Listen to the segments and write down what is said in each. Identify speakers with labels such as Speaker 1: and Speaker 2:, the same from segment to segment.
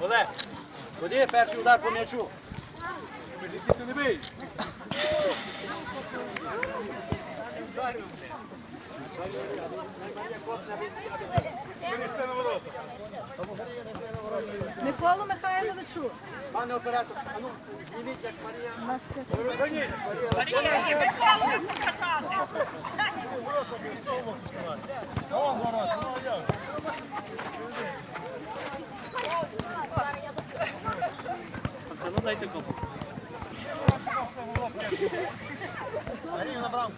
Speaker 1: Олег, ходи, перший удар по м'ячу.
Speaker 2: Ти не бий. Винести на ворота.
Speaker 3: Миколу Михайловичу.
Speaker 1: Пане оператор, а ну, зніміть, як Марія.
Speaker 2: Марія, вон ворота, ну а як?
Speaker 4: Пацану дайте копу.
Speaker 1: Марія на брамку.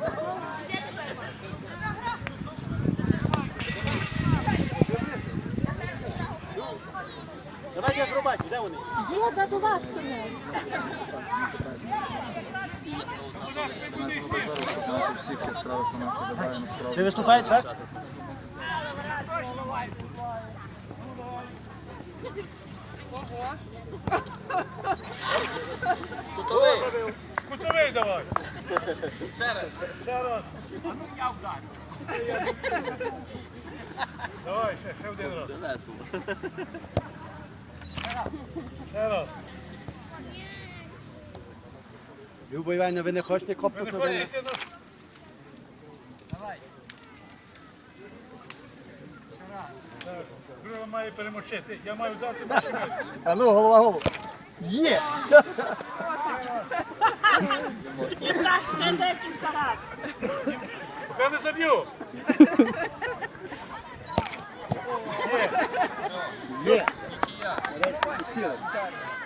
Speaker 1: Давайте акробатів, де вони?
Speaker 3: Є заду вас стоять.
Speaker 5: Всіх яскравих тонах подобає насправді.
Speaker 1: Ви виступаєте, так?
Speaker 2: Кутовий давай. Ще раз. Давай, ще один раз.
Speaker 4: Весело.
Speaker 2: Ще раз.
Speaker 1: Люба Іванівна, ви не хочете
Speaker 2: Ви
Speaker 1: копнути?
Speaker 2: не хочете на... Так, Друга має перемочити. Я маю дати починати.
Speaker 1: А ну, голова, голову. Є!
Speaker 3: І так ще декілька разів.
Speaker 2: Поки не заб'ю.
Speaker 1: Є!